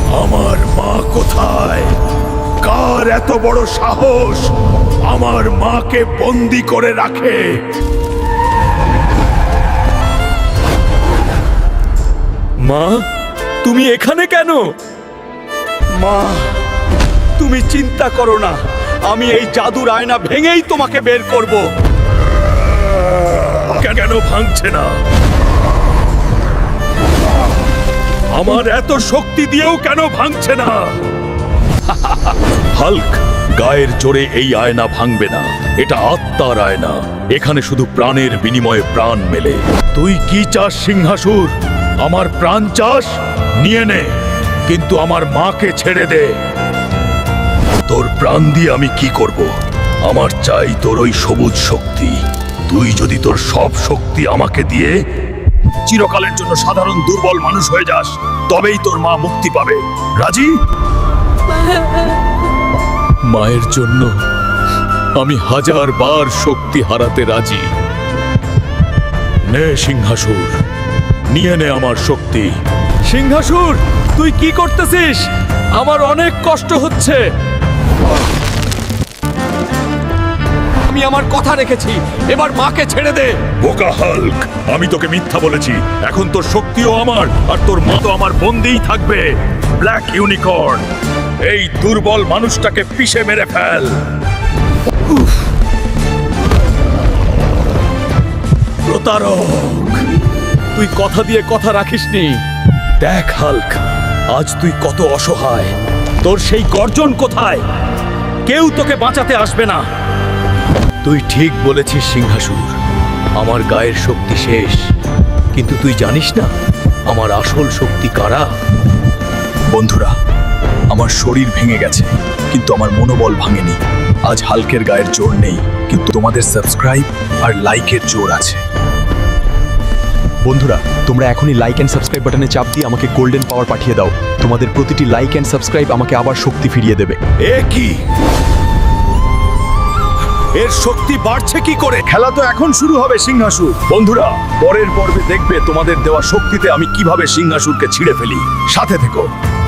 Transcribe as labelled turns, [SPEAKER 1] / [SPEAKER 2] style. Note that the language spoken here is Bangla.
[SPEAKER 1] আমার মা কোথায়? কার এত বড় সাহস আমার মাকে বন্দি করে রাখে?
[SPEAKER 2] মা, তুমি এখানে কেন?
[SPEAKER 3] মা, তুমি চিন্তা করো না, আমি এই জাদুর আয়না ভেঙেই তোমাকে বের করব।
[SPEAKER 1] কেন ভাঙছে না? আমার এত শক্তি দিয়েও কেন ভাঙছে না? হাল্ক, গায়ের জোরে এই আয়না ভাঙবে না। এটা আত্মার আয়না। এখানে শুধু প্রাণের বিনিময়ে প্রাণ মেলে। তুই কি চাস সিংহাসুর? আমার প্রাণ চাস? নিয়ে নে, কিন্তু আমার মাকে ছেড়ে দে। তোর প্রাণ দিয়ে আমি কি করব? আমার চাই তোর ওই সবুজ শক্তি। তুই যদি তোর সব শক্তি আমাকে দিয়ে চিরকালের জন্য সাধারণ দুর্বল মানুষ হয়ে যাস, তবেই তোর মা মুক্তি পাবে। রাজি? মায়ের জন্য আমি 1000 বার শক্তি হারাতে রাজি। নে সিংহাসুর, নিয়ে নে আমার শক্তি।
[SPEAKER 2] সিংহাসুর, তুই কি করতেছিস? আমার অনেক কষ্ট হচ্ছে।
[SPEAKER 3] আমি আমার কথা রেখেছি, এবার মাকে ছেড়ে দে।
[SPEAKER 1] বোকা হাল্ক, আমি তোকে মিথ্যা বলেছি। এখন তোর শক্তিও আমার, আর তোর মা তো আমার বন্দিই থাকবে। ব্ল্যাক ইউনিকর্ন, এই দুর্বল মানুষটাকে পিষে মেরে ফেল। প্রতারক,
[SPEAKER 2] তুই কথা দিয়ে কথা রাখিসনি।
[SPEAKER 1] দেখ হাল্ক, আজ তুই কত অসহায়।
[SPEAKER 2] তোর সেই গর্জন কোথায়? কেউ তোকে বাঁচাতে আসবে না।
[SPEAKER 1] তুই ঠিক বলেছিস সিংহাসুর, আমার গায়ের শক্তি শেষ। কিন্তু তুই জানিস না আমার আসল শক্তি কারা? বন্ধুরা, আমার শরীর ভেঙে গেছে, কিন্তু আমার মনোবল ভাঙেনি। আজ হাল্কের গায়ের জোর নেই, কিন্তু তোমাদের সাবস্ক্রাইব আর লাইকের জোর আছে।
[SPEAKER 4] বন্ধুরা, তোমরা এখনই লাইক অ্যান্ড সাবস্ক্রাইব বাটনে চাপ দিয়ে আমাকে গোল্ডেন পাওয়ার পাঠিয়ে দাও। তোমাদের প্রতিটি লাইক অ্যান্ড সাবস্ক্রাইব আমাকে আবার শক্তি ফিরিয়ে দেবে।
[SPEAKER 1] এ কি? এর শক্তি বাড়ছে কি করে? খেলা তো এখন শুরু হবে সিংহাসুর। বন্ধুরা, পরের পর্বে দেখবে তোমাদের দেওয়া শক্তিতে আমি কিভাবে সিংহাসুরকে ছিঁড়ে ফেলি। সাথে থেকো।